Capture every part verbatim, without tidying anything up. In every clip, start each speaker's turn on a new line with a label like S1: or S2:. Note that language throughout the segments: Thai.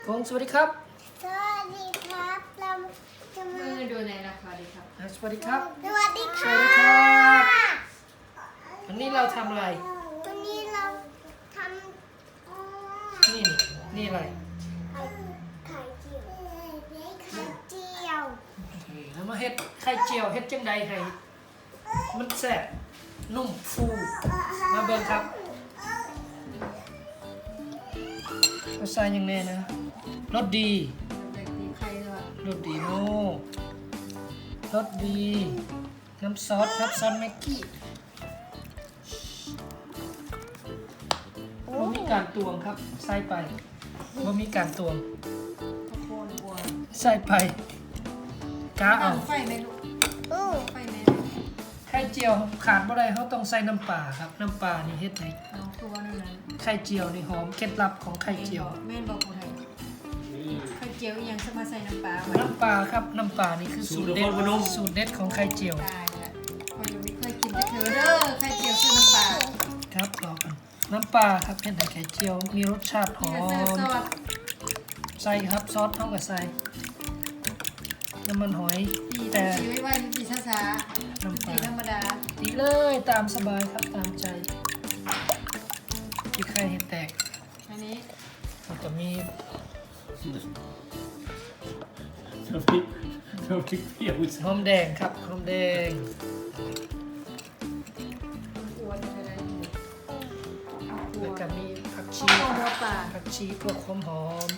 S1: กงสวัสดีครับ
S2: สวัสดีครับเราจะมา
S3: เมื่อดูในราคาดีครับ
S1: สวัสดีครับ
S2: สวัสดีค
S1: ส
S2: รั
S1: วัสดีครับ บวันนี้เราทำอะไร
S2: วันนี้เราท
S1: นี่นี่อะไร
S2: ำไข่ไข่เจียวไข่เจียว
S1: โอเคแล้วมาเฮ็ดไข่เจียวเฮ็ดจังใดให้มันแซ่บนุ่มฟูมาเบิ่งครับเราใส่ยังไงนะรสดี
S3: เด็กตีไข่ด้วย
S1: รสดีโน่รสดี น้ำซอสครับซอสแม็กกี้บ่มีการตวงครับใส่ไปบ่มีการตวง
S3: ข้าวโพดบัว
S1: ใส่ไปกาเอา
S3: ตั้งไฟไหมลูก
S2: อู้
S3: ไฟไหม
S1: ไข่เจียวขาดบ่ได้เขาต้องใส่น้ำปลาครับน้ำปลานี่เฮ็ดให้
S3: น้องตัวนึงนั้น
S1: ไข่เจียวนี่หอมเคล็ดลับของไข่เจียว
S3: แม่นบอกกูไทยไข่เจียวยังสมาใส่น้ำปลาไว้
S1: น้ำปลาครับน้ำปลานี่คือสูตรเด็ดสูตรเด็ดของไข่เจียว
S3: ตายละคนยังไม่เคยกินแต่เธอเด้อไข่เจียวใส่น้ำปลา
S1: ครับรอกันน้ำปลาครับเฮ็ดให้ไข่เจียวมีรสชาติหอ
S3: นี่ก็เสิร์ฟ
S1: ม
S3: ซอส
S1: ใส่ครับซอสเท่ากับใส่น้ำมันหอย
S3: ตี
S1: แต่
S3: ตีไว้ไว้ตีช้า
S1: น้ำ
S3: ๆ
S1: ป
S3: ตี
S1: ลา
S3: ธรรมดา
S1: ตีเลยตามสบายครับตามใจที่ไข่เห็ดแตก
S3: อันนี้
S1: แล้วก็มี
S4: น้ำพริกน้ำพริกเปรี้ยว
S1: หอมแดงครับหอมแดง
S3: อ้วนอะไร
S1: แล้วก็มีผัก
S3: ข้า
S1: ชี
S3: วโพดบัวป่า
S1: ผักชีพวกหอมหอม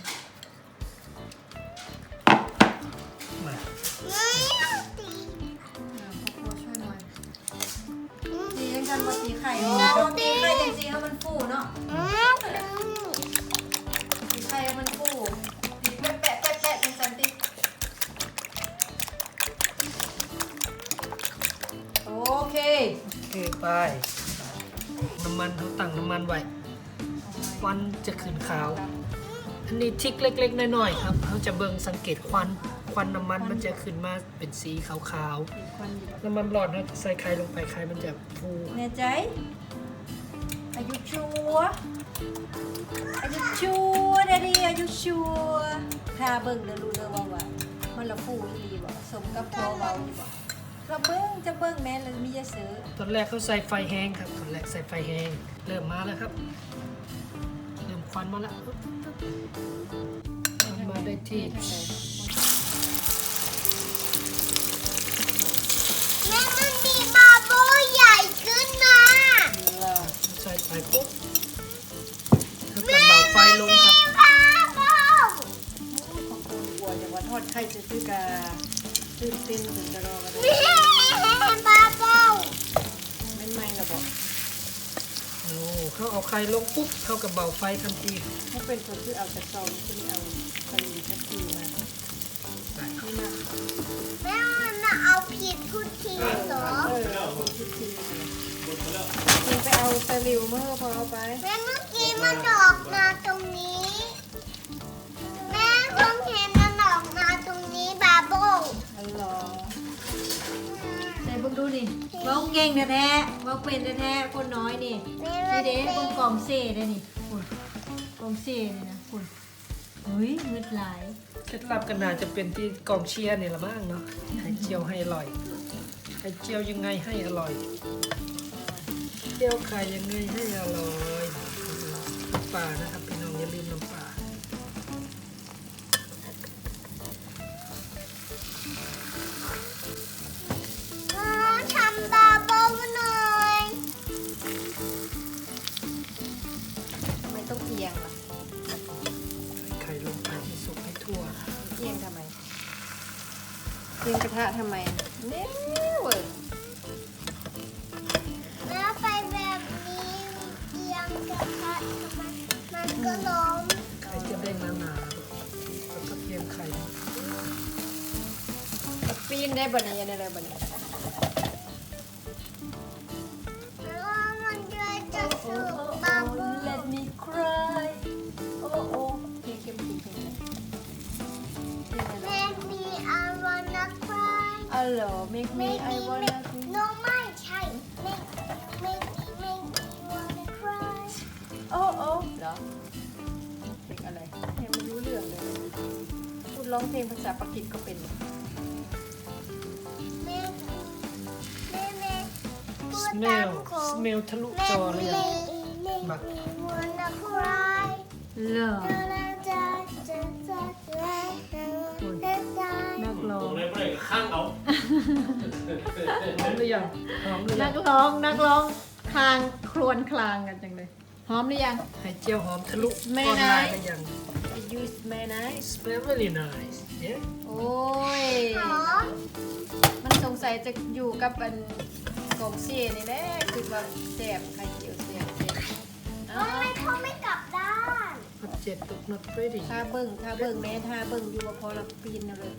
S1: มา
S2: ไม่ต้องตี
S3: ข้าวโพดช่วยหน่อยตียังกันมาตีไข่เราตีไข่จริงๆให้มันฟูเนาะ
S2: อืม
S3: ตีไข่ให้มันฟูตีแปะแปะแปะแปะเป็นสันติโอเค
S1: โอเคไปน้ำมันเขาตั้งน้ำมันไว้ควันจะขึ้นขาว อันนี้ทริกเล็กๆน้อยๆครับเขาจะเบิ่งสังเกตควันควันน้ำมันมันจะขึ้นมาเป็นสีขาว
S3: อีกคนอยู่
S1: ๆน้ำมันร้อนนะใส่ไข่ลงไปไข่มันจะฟู
S3: แน่ใจอายุชัวร์อายุชัวร์เดดีอายุชัวร์ถ้าเบิ่งเดี๋ยวรู้เลยว่าว่ามันละฟูอีหลีบ่สมกับพอเว้าอยู่บ่เราเบิ่งจะเบิ่งแม่นแล้วมีจะซื้อ
S1: ตอนแรกเขาใส่ไฟแห้งครับตอนแรกใส่ไฟแห้งเริ่มมาแล้วครับเริ่มควันมาแล้วมันมาได้ที่
S2: แม่มันมีบาโบใหญ่ขึ้นมา
S1: ใส่ไปปุ๊บถ้าเกิดเบาไฟลงครับ
S2: บาโบ
S3: ของคนกลัวจะว่าทอดไข่จะซื้อกาตื่นเต้นถึงจะรอกันเลย
S2: แม่บาโบ
S3: ไม่ไม่ละบอก
S1: โอ้เขาเอาไข่ลงปุ๊บเท่ากับเบาไฟทันที
S3: ถ้าเป็นคนที่เอาแต่ซองที่ไม่เอากะหรี่ทักทีมาไม่มา
S2: แม่มันมาเอาผิดทุกทีเหรอ
S3: เออเอาทุกทีมึงไปเอาตะหลิวมาเถอะพอเอาไป
S2: แม่เมื่อกี้มันออกมาตรงนี้ แม่เพิ่งเห็นมันออกมาตรงนี้บาโบ
S3: อัลลอฮ์ไหนเบิ่งดูนี่เว้าเก่งแท้ๆเว้าเป็นแท้ๆคนน้อยนี่
S2: แม่
S3: นี่
S2: มัน
S3: เด้
S2: เป็
S3: เบิ่ง
S2: น
S3: กล่องเซ่ได้นี่คุณกล่องเซ่นี่นะคุณเฮ้ยเงืดหลาย
S1: เคล็ดลับกันน่าจะเป็นที่กองเชียร์นี่ละมั้งเนาะไข่เจียวให้อร่อยไข่เจียวยังไงให้อร่อยเจียวไข่ยังไงให้อร่อยน้ำปลานะครับพี่น้องอย่าลืมน้ำปลา
S2: อ๋อทำบาโบหน่อย
S3: ทำไมต้องเอียงล่ะ
S1: ใส่ไข่ลงไปให้สุกให้ทั่ว
S3: เอียงทำไมเอียงกระทะทำไมเนี่ยเว้ย
S2: แล้วไปแบบนี้เอียงกระทะทำไมมันก็ล้ม
S1: ไข่จะได้หนาๆแล้วก็เทียมไข่
S3: ปีนได้บ่เนี่ยยังได้บ่เนี่ย
S2: แล้วมันจะจะสุกบาโบ
S3: Let me cry โอ้โอ้เพลงเข้มจริงเพลงอะไร
S2: Make me I wanna cry
S3: อ๋อเหรอ Make me
S2: Make
S3: I
S2: me
S3: wanna
S2: make no ไม่ใช่ Make make make me wanna cry
S3: โอ้โอ้เหรอเพลงอะไรยังไม่รู้เรื่องเลยร้องเพลงภาษาปากีสก็เป็น
S2: แม่แม่แม่พูด
S1: สเม
S2: ตา
S1: ล
S2: มโค
S1: สเมลทะลุจอเลยอะ บัก
S2: wanna cry
S3: เหรอ
S2: นั
S3: นักร้อ
S4: ตรง งเลยไม่ได้ข้างเอา
S1: หอมหรือยังหอมหรือยั
S3: นั
S1: ง
S3: กร้องนักร้องคลางครวญคลางกันจังเลยหอมหรือยัง
S1: ไข่เจียวหอมทะลุ
S3: ไม่
S1: ออนไลน์
S3: นะ
S1: หรือยัง
S3: ยูสแมนไน
S1: smell very nice yeah
S3: โอ้ย
S2: หอม
S3: มันสงสัยจะอยู่กับอันกองเสียนี่แหละคือว่าแสบไข่เจียวแสบแสบเอา
S2: ทำไมเขาไม่กลับด้าน
S1: not yet but not ready
S3: ถ้าเบิ่งถ้าเบิ่งแม่ถ้าเบิ่งอยู่ว่าพอเราปีนเอาเลย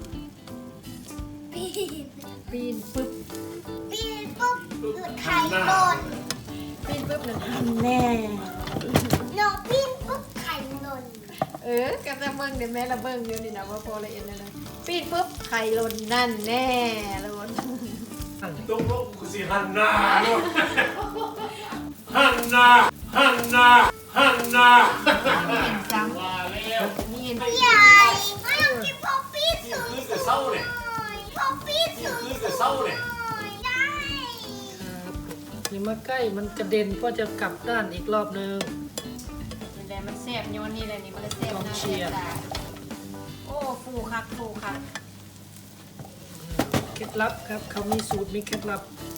S2: ปีน
S3: ปีนปึ๊บ
S2: ปีนปุ๊บหยุดไข่หล่น
S3: ปีนปึ๊บหนึ่งแน่
S2: หนูปีนปุ๊บไข่หล่น
S3: เออกับจะเบิ่งเดี๋ยวแม่เราเบิ่งอยู่นี่นะว่าพอละเอียดเลยนะปีนปุ๊บไข่หล่นนั่นแน่หล่น
S4: ตรงลงกูสิหันหน้าเนาะหันหน้าหันหน้าหันหน้า
S3: เห็นซ้
S4: ว่าแล้ว
S3: ำนี่เห็น
S2: ใหญ่ไม่ต้องกินพอปีนสูง
S4: คือจะเศร้าเนี่ย
S2: พอปีนสูง
S4: คือจะเศร้าเนี่ย
S2: ได้
S1: ครับอย่ามาใกล้มันกระเด็นเพราะจะกลับด้านอีกรอบนึง
S3: นี่แหละมันแสบโยนนี่แหละนี่มันเลยแสบ
S1: กอง
S3: หน้า
S1: เชี
S3: แส
S1: ยร์
S3: บตาโอ้ฟูคักฟูคัก
S1: เคล็ดลับครับเขามีสูตรมีเคล็ดลับ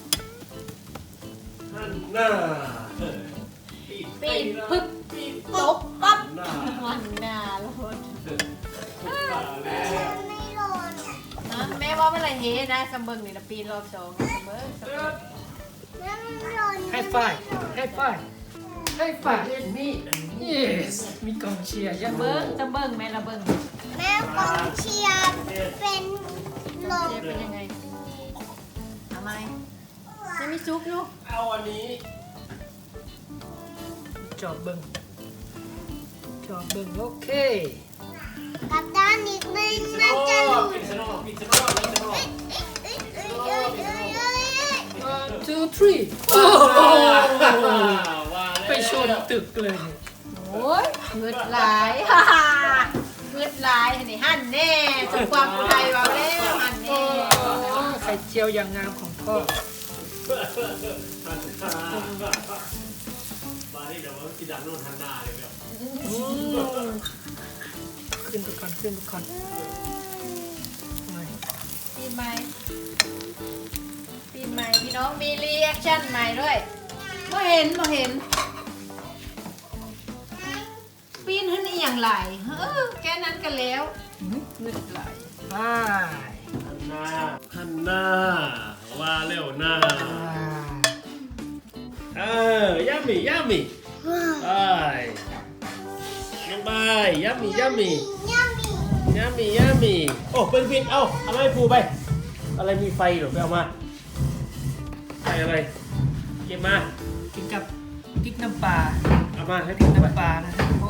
S4: หันหน้า
S3: ปีนปึ๊บ
S4: ปีน
S3: ตบปั๊บ
S4: หน้า
S3: มันหน้าหล่น
S4: มาแล้ว
S2: ไม่หล่น
S3: นะแม่ว่าเมื่อไหรเฮนะสมเบิงนี่นะปีนรอบสองสมเบิงสมเบิง
S2: แม่ไม่หล่น
S1: ให้ไฟให้ไฟให้ไฟเล่นนี่ yes มีกองเชียร์ยั
S3: ส
S1: ง
S3: มเบิงสมเบิงแม่ละเบิง
S2: แม่กองเชียร์เป็นลม
S3: เจ๊เป็นยังไงทำไมจะมีซุปอยู่
S4: เอาอันนี้
S1: จอบเบิงจอบเบิงโอเค
S2: กลับด้านนิดนึง
S4: ปิด
S2: มัน
S4: ส
S2: จะ
S4: น
S2: ห
S4: อ
S2: ลุด
S4: ปิดสนอปิดสนอปิดสนอ
S2: เอ้ยเอ้ยเอ้ยเอ้ยเอ้ยเอ้ย
S1: one two three โอ้โห
S4: ว่าแล้ว
S1: ไปชนตึกเลย
S3: โอ้ยเงืดหลายฮ่าฮ่าเงืดหลายนี่หั่นแน่สมความผู้ไทยว่าแล้วหั่น
S1: โอ้
S3: แน่
S1: ไข่เจียวอย่างงามของพ่อ
S4: มาดิเดี๋ยวมันกินดังโน่นทันหน้าเลยเดี๋ยว
S1: อืมขึ้นไปก่อนขึ้นไปก่อนหน่อย
S3: ปีใหม่ปีใหม่พี่น้องมีรีแอคชั่นใหม่ด้วยบ่เห็นบ่เห็น ปีนขึ้นอีอย่างไรเออแค่นั้นกันแล้วเงืดไหล
S1: ไป
S4: หันหน้าหันหน้าว่าเร็วหน้าเออยัมมี่ยัมมี่ไปยังไปยัมมี่ยัมมี่
S2: ยัมมี่
S4: ยัมมี่ยัมมี่โอ้เป็นวินเอาอะไรปูไป อะไรมีไฟหรือไปเอามาไฟอะไรเก็บมา
S1: กินกับพริกน้ำปลา
S4: เอามาให้
S1: พริ
S4: ปู
S1: ก
S4: ไป
S1: น้ำปลานะครับโอ้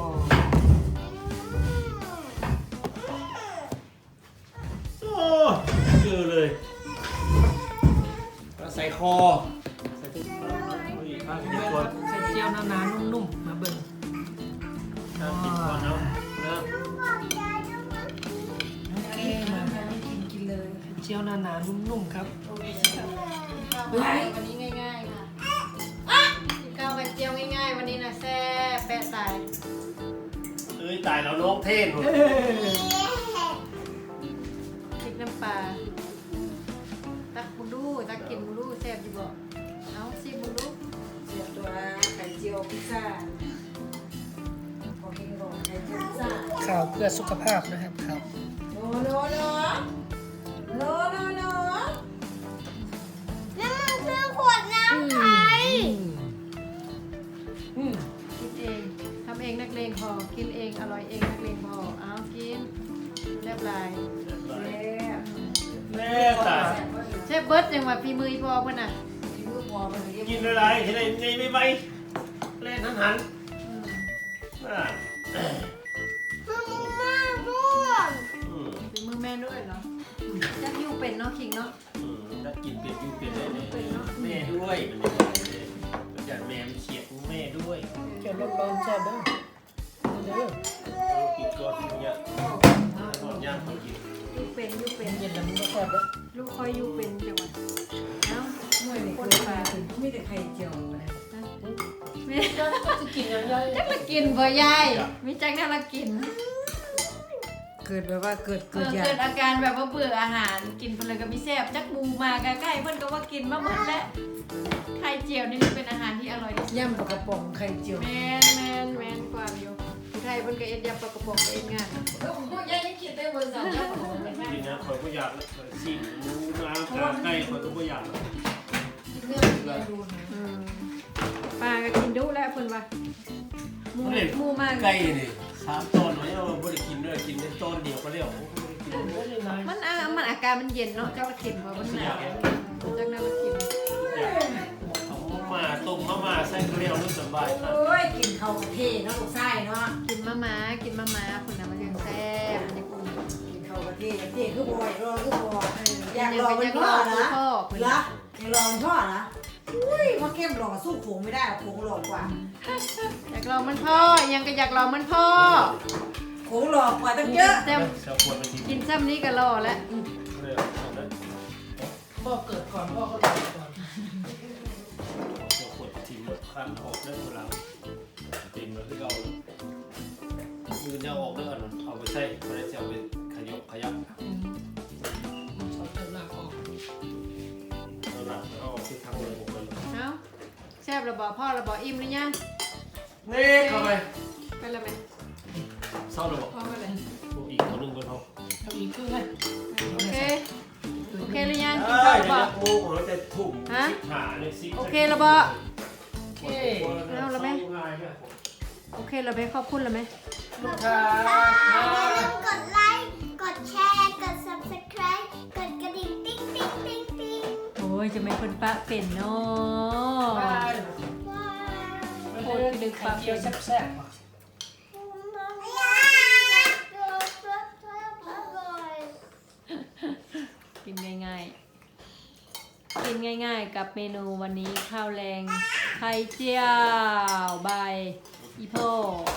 S4: โอ้เจอเลยใส่คอใส่ทุกเอาอีกข้างกินก่อน
S1: ไข่เจียวหนาๆนุ่มๆมาเบิ่ง
S4: ข้างกินก่อนเอานะ
S1: โอเคมากินกินเลยไข่เจียวหนาๆนุ่มๆครับ
S3: วันนี้ง่ายๆค่ะกินข้าวไข่เจียวง่ายๆวันนี้นะแซ่บแปะตาย
S4: เอ้ยตายแล้วน้องเทศหมด
S3: พริกน้ำปลาตักบุดูตักกินบุดูแซ่บอยู่บ่เอาซิบุดู
S5: เสียบตัวไข่เจียวพิซซ่าพอกินก่อนไข่เจียวพิซซ่า
S1: ข่าวเพื่อสุขภาพนะครับครับ
S5: โนโนโนโนโนโน
S2: แล้วมันคือขวดน้ำไข่
S1: อืม
S3: กินเองทำเองนักเลงพอกินเองอร่อยเองนักเลงพอเอากินเรียบร้อย
S5: แซ่บ
S4: แม่ตาย
S3: เชฟเบิร์ดยังว่าฝีมืออีพอเพิ่นน่ะ
S5: มีมือพอมันเรียก
S4: กินอะไรเห็นอะไรในไม่ไปเล่นหันหัน
S3: อืม
S4: อ่า
S2: คือมึงมากด้วย
S4: อืม
S3: ฝีมือแม่ด้วยเหรอจักยูเป็นเนาะคิงเนาะ
S4: อืมถ้ากินเป็ดยูเป็ดได้เลย
S3: เป็นเนาะ
S4: แม่ด้วยมันจะแม่มันเฉียดแม่ด้วย
S1: เจียวร้อนๆจ้าเด้อเด้อ
S4: กินก่อนเนี่ย
S1: อบเลย
S3: ลูกคอยอยู่เป็นจังหวะเอ้า
S5: เมื่อนี่
S3: คน
S5: เกิด
S3: ปลา
S5: มาถึงมีแต่ไข่เจียวเลย
S3: แม่
S1: ก็จะกินยังไง
S3: จักละกินบ่ยายมีจักแน่ละกิน
S5: เกิดแบบว่าเกิด
S3: เอ
S5: เกิด
S3: อ
S5: อยา
S3: เกิ
S5: ก
S3: ดอาการแบบว่าเบื่ออาหารกินไปเลยก็มีแซ่บจักหมูมาใกล้ๆเพิ่นก็ว่ากินมาหมดแล้วไข่เจียวนี่เป็นอาหารที่อร่อยที่สุด
S5: ย่ำปลากระป๋องไข่เจียว
S3: แม่นแม่นแม่นกว่าอยู่ผู้ไทยเพิ่นก็เอ็ดยำปลากระป๋องก็เอ็ดงานแล้วผมยายยังคิดได้บ่สาวยำปลากระป๋องเป็นงาน
S4: จริงนะคอยก็อยากเลยซีนหมูน้ำกาไก่คอยก็ไม่อยากเลย
S5: เรื่องเรียนดูนะ
S3: อืมปลาก็กินดุแล้วเพิ่นว่าหมูหมูมาก
S4: ไก่นี่สามตอนไว้เอาไม่ได้กินด้วยกินเป็นต้นเดียวก็เรียกไม่ได้กิน
S3: มันอ่ะมันอาการมันเย็นเนาะเจ้าละกินบ่มันหนาวจักนั้นละกิน
S4: เอามาต้มมาม่าใส่เกลียวนึกสบายนะ
S5: โอ้ยกินข้าวกะเทเนาะลูกไส้เนาะ
S3: กินมะม้ากินมะม้าคนน่ะมันยังแซ่บมันยังอุ่น
S5: กินข้าวกะเทกะเทคือบ่อยรอคือบ่อยอยาก
S3: ยัง
S5: รอ
S3: ไป
S5: มัน
S3: ยัง
S5: พ่
S3: ร
S5: อ
S3: อ
S5: นะ
S3: พ่อเพิ่น
S5: เหรออยากรอมันพ่อนะอุ้ยมาเข้มหล่อสู้โขงไม่ได้โขงหล่อกว่า
S3: อยากลองมันพ่อยังก็อยากลองมันพ่อ
S5: โขงหล่อกว่าตั้งเยอะ
S3: แซ่บ
S4: เสียควรมันที
S3: กินซ้ำนี้ก็รอแล้ว
S4: เลย
S1: พ่อเกิดก่อนพ่อก็เกิดก่อน
S4: เสียควรทีมคันออกได้เวลาตีนมันที่เรามือจะออกเด้อเอาไปใส่ไปใส่เอาไปขยบขยับ
S1: ชอบเติมหนักออก
S4: เอาหลังเอาออกที่ทางเลยผมเลย
S3: เอ้าแซ่บระบอกพ่อระบอกอิ่มหรือยัง
S4: นี่เข้าไป
S3: ไปแล้วไหม
S4: เศร้าเลยบอก
S3: พ่อไปเลย
S4: อีกตัวนึงบนห้อง
S1: ทำอีกครึ่งเลย
S3: โอเคโอเคหรือยังกิน
S4: เอ้
S3: ข้าวย ระบอก
S4: เดี๋ยวโอ้โหจะทุ่มสิบหาเลยสิ
S3: โอเคระบอก
S4: โอเคเอาแล้วไหม
S3: โอเคเราไปขอบคุณแล้วไหม
S1: ลูกค้า
S2: อย่าลืมกดไลค์ กดแชร์ กด ซับสไครบ์ กดกระดิ่งติ๊งติ๊งติ๊งติ๊ง
S3: โอ้ยจะไม่คนปะเป็นเนาะ
S1: บ้าน
S2: ว้าว
S1: โคตรดึกไข่เจียวแซ่บๆอ่ะ
S3: กินง่ายๆ กินง่ายๆกับเมนูวันนี้ข้าวแรงไข่เจียวใบอีโพ